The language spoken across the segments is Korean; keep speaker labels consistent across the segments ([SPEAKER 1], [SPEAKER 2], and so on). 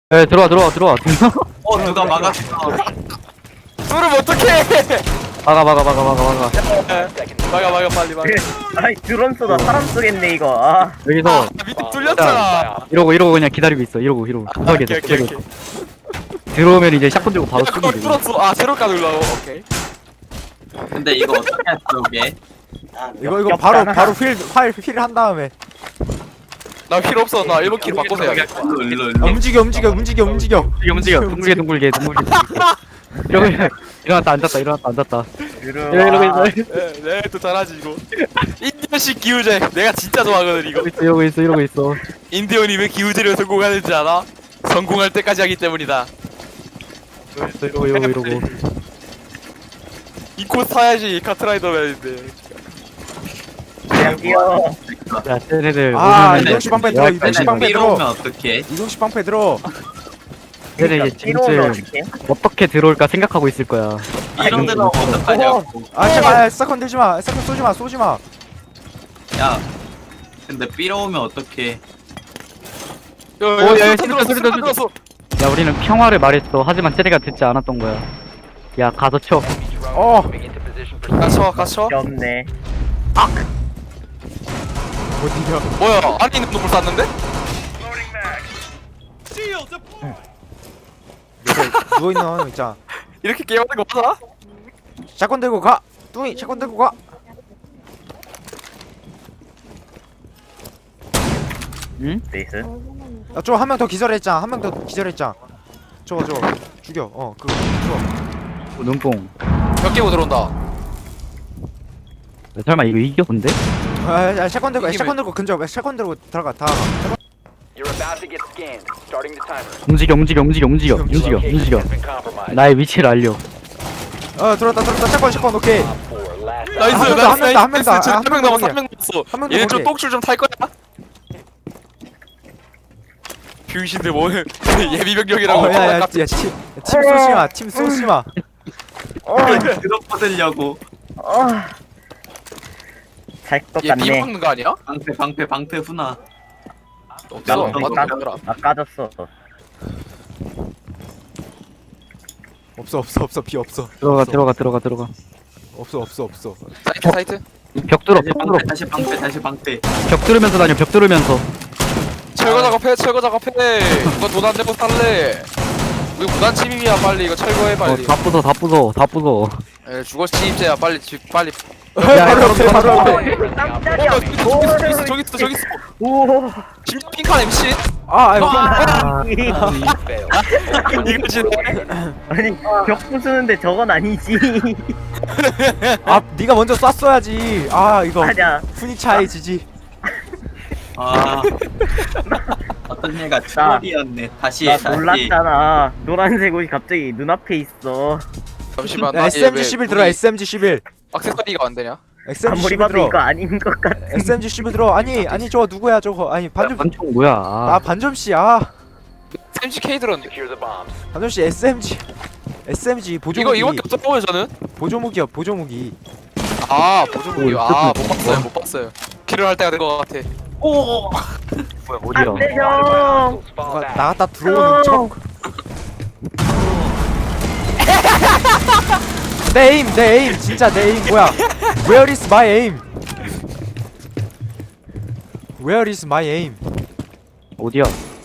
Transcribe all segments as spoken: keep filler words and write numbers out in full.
[SPEAKER 1] 에 들어와 들어와 들어와
[SPEAKER 2] 어 누가 막았어.
[SPEAKER 3] 그럼 어떡해.
[SPEAKER 1] 막아 막아 막아 막아 막아
[SPEAKER 3] 막아 막아 빨리 막아.
[SPEAKER 4] 아이 드론 쏘다 사람 쏘겠네 이거. 아
[SPEAKER 1] 여기서
[SPEAKER 3] 아 밑에 뚫렸잖아.
[SPEAKER 1] 이러고 이러고 그냥 기다리고 있어 이러고 이러고
[SPEAKER 3] 아,
[SPEAKER 1] 구석에
[SPEAKER 3] 오케이 오케이 오케이.
[SPEAKER 1] 들어오면 이제 샷건 들고 바로
[SPEAKER 3] 야, 그걸
[SPEAKER 1] 쏘면 돼.
[SPEAKER 3] 뚫었어. 아 새로가 눌러고. 오케이.
[SPEAKER 2] 근데 이거 어떻게 했어 이게?
[SPEAKER 5] 이거 이거 바로 바로 휠휠휠한 다음에
[SPEAKER 3] 나 필요 없어. 나 일본 킬 바꿔서
[SPEAKER 2] 여기
[SPEAKER 3] 해야겠다.
[SPEAKER 2] 일로 일로
[SPEAKER 5] 아,
[SPEAKER 2] 일로.
[SPEAKER 5] 움직여 움직여 움직여 움직여
[SPEAKER 1] 움직여 움직여 둥글게 둥글게 둥글게 이러고 일어났다 앉았다 일어났다 앉았다 이러고
[SPEAKER 4] 들어와.
[SPEAKER 1] 있어
[SPEAKER 3] 네, 네, 또 잘하지 이거. 인디언식 기우제. 내가 진짜 좋아하거든 이거.
[SPEAKER 1] 이러고 있어 이러고 있어
[SPEAKER 3] 인디언이 왜 기우제를 성공하는지 알아? 성공할 때까지 하기 때문이다.
[SPEAKER 1] 이러고 있어 이러고 이러고 이러고
[SPEAKER 3] 이 코스 타야지 카트라이더맨인데.
[SPEAKER 4] 그냥 뛰어.
[SPEAKER 1] 야 쟤네들
[SPEAKER 5] 아,
[SPEAKER 1] 오면은
[SPEAKER 5] 이동식 방패 들어,
[SPEAKER 1] 야,
[SPEAKER 5] 이동식 방패
[SPEAKER 2] 위로
[SPEAKER 5] 들어.
[SPEAKER 2] 오면 어떡해?
[SPEAKER 5] 이동식 방패 들어.
[SPEAKER 1] 쟤네 이제
[SPEAKER 4] 뛰러 오면
[SPEAKER 1] 지금
[SPEAKER 4] 어떡해?
[SPEAKER 1] 어떻게 들어올까 생각하고 있을 거야
[SPEAKER 2] 이런 데로 오면 어떡하냐고.
[SPEAKER 5] 아 제발 세컨 들지 마. 세컨 쏘지 마. 쏘지 마.
[SPEAKER 2] 야. 근데 삐러 오면 어떡해?
[SPEAKER 3] 야,
[SPEAKER 1] 오,
[SPEAKER 3] 야,
[SPEAKER 1] 야, 야,
[SPEAKER 3] 수류탄
[SPEAKER 1] 수류탄,
[SPEAKER 3] 들었어,
[SPEAKER 1] 수류탄,
[SPEAKER 3] 수류탄 들었어.
[SPEAKER 1] 야 우리는 평화를 말했어 하지만 쟤네가 듣지 않았던 거야 야 가서 쳐
[SPEAKER 5] 어.
[SPEAKER 3] 갇혀, 갇혀.
[SPEAKER 4] 없네.
[SPEAKER 5] 어디야?
[SPEAKER 3] 뭐야? 안에 있는 놈을 쐈는데?
[SPEAKER 5] 누워 있는 놈 있잖아.
[SPEAKER 3] 이렇게 게임하는 거 맞아?
[SPEAKER 5] 샷건 들고 가. 뚱이 샷건 들고 가.
[SPEAKER 1] 응?
[SPEAKER 4] 네이스.
[SPEAKER 5] 야, 저한 명 더 기절했잖아. 한 명 더 기절했잖아. 저거 저거 죽여. 어 그거 죽여.
[SPEAKER 1] 눈뽕
[SPEAKER 3] 몇 개고 들어온다.
[SPEAKER 1] 야, 설마 이거 이겨 근데?
[SPEAKER 5] 아, 야, 샷건 들고
[SPEAKER 3] 이기면-
[SPEAKER 5] 샷건 들고 근접. 샷건 들고 들어가. 다.
[SPEAKER 6] You're about to get scanned. Starting the timer.
[SPEAKER 1] 움직여 움직여 움직여 움직여 움직여
[SPEAKER 6] Location
[SPEAKER 1] 움직여
[SPEAKER 6] has been compromised.
[SPEAKER 1] 나의 위치를 알려
[SPEAKER 5] 어 들었다 들었다. 샷건 샷건 오케이.
[SPEAKER 6] Four last.
[SPEAKER 3] 나이스,
[SPEAKER 5] 한 명 더,
[SPEAKER 3] 나이스,
[SPEAKER 5] 한 명 더, 한 명 더.
[SPEAKER 3] 나이스.
[SPEAKER 5] 아,
[SPEAKER 3] 한 명 남았어, 한 명 남았어.
[SPEAKER 5] 한명더
[SPEAKER 3] 얘네 좀
[SPEAKER 5] 거기.
[SPEAKER 3] 똥줄 좀 탈 거야? 병신들 뭐 예비병력이라고.
[SPEAKER 5] 어, 야, 야, 야, 팀, 야, 팀 쏘지 마. 팀 쏘지 마.
[SPEAKER 2] 들어뻗으려고.
[SPEAKER 4] 어. 잘것
[SPEAKER 3] 얘 비
[SPEAKER 4] 같네.
[SPEAKER 3] 먹는 거 아니야?
[SPEAKER 2] 방패 방패 방패 훈아.
[SPEAKER 3] 없어.
[SPEAKER 4] 나
[SPEAKER 3] 맞는
[SPEAKER 4] 나-
[SPEAKER 3] 거 없더라.
[SPEAKER 4] 아 까졌어.
[SPEAKER 5] 없어 없어 없어 비 없어.
[SPEAKER 1] 들어가
[SPEAKER 5] 없어.
[SPEAKER 1] 들어가 들어가 들어가
[SPEAKER 5] 없어 없어 없어.
[SPEAKER 3] 사이트, 사이트.
[SPEAKER 1] 벽 뚫어
[SPEAKER 2] 다시
[SPEAKER 1] 벽 뚫어
[SPEAKER 2] 방패 다시 방패 다시 방패.
[SPEAKER 1] 벽 뚫으면서 다녀 벽 뚫으면서
[SPEAKER 3] 철거 작업해, 철거 작업해. 누가 돈 안 내고 살래? 우리 무단 침입이야, 빨리 이거 철거해, 빨리.
[SPEAKER 1] 어다 부숴 다 부숴 다 부숴
[SPEAKER 3] 에, 주거 침입죄야, 빨리 집, 빨리.
[SPEAKER 5] 바로 앞에 바로 앞에.
[SPEAKER 4] 깜짝이야.
[SPEAKER 3] 어, 저기 있어, 저기 있어, 저기 있어.
[SPEAKER 4] 오.
[SPEAKER 3] 진짜 핑크한 엠씨.
[SPEAKER 5] 아 아이고.
[SPEAKER 3] 이거지.
[SPEAKER 4] 아니 벽 부수는데 저건 아니지.
[SPEAKER 5] 아 네가 먼저 쐈어야지. 아 이거
[SPEAKER 4] 맞아.
[SPEAKER 5] 훈이 차이지지.
[SPEAKER 2] 아. 어떤 애가 트롤이었네. 다시
[SPEAKER 4] 나
[SPEAKER 2] 해 다시.
[SPEAKER 4] 놀랐잖아. 노란색 옷이 갑자기 눈앞에 있어.
[SPEAKER 3] 잠시만.
[SPEAKER 5] 야, 에스엠지 십일 들어. 에스엠지 십일.
[SPEAKER 3] 액세서리가 안 되냐?
[SPEAKER 5] 에스엠지
[SPEAKER 4] 아무리
[SPEAKER 5] 십일
[SPEAKER 4] 봐도
[SPEAKER 5] 들어.
[SPEAKER 4] 이거 아닌 것 같아.
[SPEAKER 5] 에스엠지 십일 들어. 아니 아니 저거 누구야 저거. 아니 반점.
[SPEAKER 1] 반총 뭐야
[SPEAKER 5] 아
[SPEAKER 1] 아,
[SPEAKER 5] 반점 씨. 아
[SPEAKER 3] 엠씨케이 들었는데.
[SPEAKER 6] Secure the bombs.
[SPEAKER 5] 반점 씨 에스엠지. 에스엠지
[SPEAKER 3] 이거
[SPEAKER 5] 보조무기.
[SPEAKER 3] 이거밖에 없었고 저는.
[SPEAKER 5] 보조무기야 보조무기.
[SPEAKER 3] 아 보조무기.
[SPEAKER 1] 오,
[SPEAKER 3] 아못
[SPEAKER 1] 이거
[SPEAKER 3] 봤어요, 못 봤어요. 킬을 할 때가 된 것 같아.
[SPEAKER 2] 오.
[SPEAKER 1] 뭐야 어디야
[SPEAKER 4] 안돼 형.
[SPEAKER 6] Hostiles fall
[SPEAKER 5] 누가
[SPEAKER 6] back.
[SPEAKER 5] 나갔다 들어오는 척. 내 에임 내 에임 진짜 내 에임 뭐야? Where is my aim? Where is my aim?
[SPEAKER 1] 어디야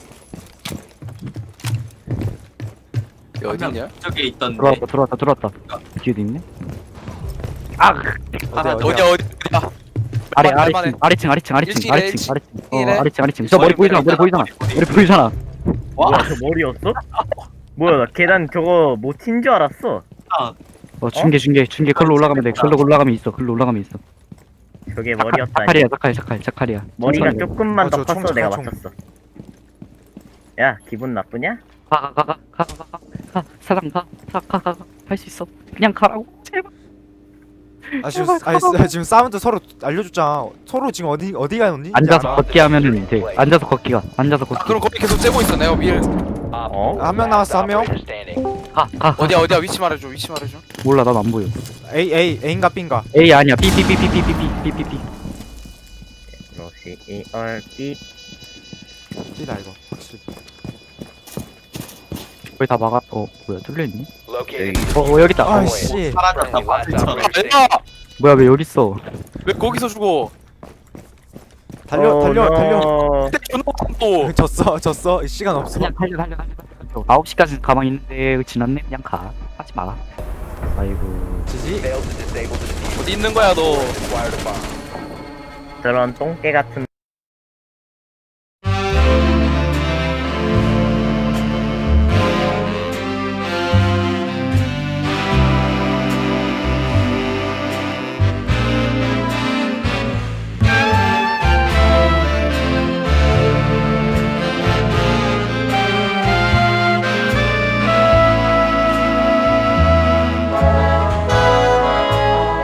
[SPEAKER 3] 여기 어디 있냐?
[SPEAKER 2] 저기 있던데.
[SPEAKER 1] 들어왔다 들어왔다 들어왔다 뒤에도 있네 아
[SPEAKER 2] 하나
[SPEAKER 5] 어디야,
[SPEAKER 3] 어디 어디 어디야?
[SPEAKER 1] 아래
[SPEAKER 3] 얼마네?
[SPEAKER 1] 아래층 아래층 아래층 아래층
[SPEAKER 3] 일층이래,
[SPEAKER 1] 아래층 아래층 어
[SPEAKER 3] 일층이래.
[SPEAKER 1] 아래층 아래층 저 머리 보이잖아 머리 보이잖아 머리 보이잖아
[SPEAKER 4] 뭐야 저 머리였어? 뭐야 나 계단 저거 못 튄 줄 알았어.
[SPEAKER 1] 어 중계 중계 중계 글로 올라가면 돼 글로 올라가면 있어 글로 올라가면 있어
[SPEAKER 4] 저게 머리였다니.
[SPEAKER 1] 자칼이야 자칼 자칼 자칼이야
[SPEAKER 4] 머리가
[SPEAKER 1] 천천히
[SPEAKER 4] 조금만
[SPEAKER 5] 어,
[SPEAKER 4] 더
[SPEAKER 5] 저
[SPEAKER 4] 컸어
[SPEAKER 5] 총,
[SPEAKER 4] 내가
[SPEAKER 5] 총.
[SPEAKER 4] 맞췄어. 야 기분 나쁘냐?
[SPEAKER 1] 가가가가가가가 사장 가가가가 할 수 있어 그냥 가라고 제발
[SPEAKER 5] 아 지금 아니, 사- 지금 사운드 서로 알려줬잖아. 서로 지금 어디 어디가 언니?
[SPEAKER 1] 앉아서 걷기 하면은 돼 앉아서 걷기가 앉아서
[SPEAKER 3] 아,
[SPEAKER 1] 걷기
[SPEAKER 3] 그럼 거기 계속 째고 있어. 내가 위에
[SPEAKER 4] 어?
[SPEAKER 5] 한 명 남았어 한 명.
[SPEAKER 6] Operator standing.
[SPEAKER 1] 가가
[SPEAKER 3] 어디야 어디야 위치 말해줘. 위치 말해줘.
[SPEAKER 1] 몰라 난 안 보여
[SPEAKER 5] A A A인가 B인가?
[SPEAKER 1] A 아니야 B B B B B B B B B
[SPEAKER 4] 로시 이얼 삐.
[SPEAKER 5] B다 이거 확실히.
[SPEAKER 1] 거의 다 막아. 어 뭐야 뚫려있니?
[SPEAKER 6] Located.
[SPEAKER 1] 어, 어 여기 있다. 어,
[SPEAKER 5] 아씨
[SPEAKER 2] 사라졌다
[SPEAKER 6] Friendly last
[SPEAKER 2] 바보처럼.
[SPEAKER 6] operator
[SPEAKER 3] 야!
[SPEAKER 1] 뭐야 왜 여기 있어?
[SPEAKER 3] 왜 거기서 죽어?
[SPEAKER 5] 달려
[SPEAKER 4] 어,
[SPEAKER 5] 달려 달려
[SPEAKER 4] 너.
[SPEAKER 3] 그때 존나 못함 또.
[SPEAKER 5] 졌어 졌어 시간 없어
[SPEAKER 1] 그냥 달려 달려 달려 달려. 아홉 시까지 가만히 있는데 지났네 그냥 가. 하지 마. 아이고.
[SPEAKER 5] 지지
[SPEAKER 6] failed to disable the diffuser.
[SPEAKER 3] 어디 있는 거야 너?
[SPEAKER 6] Acquired a bomb.
[SPEAKER 4] 저런 똥개 같은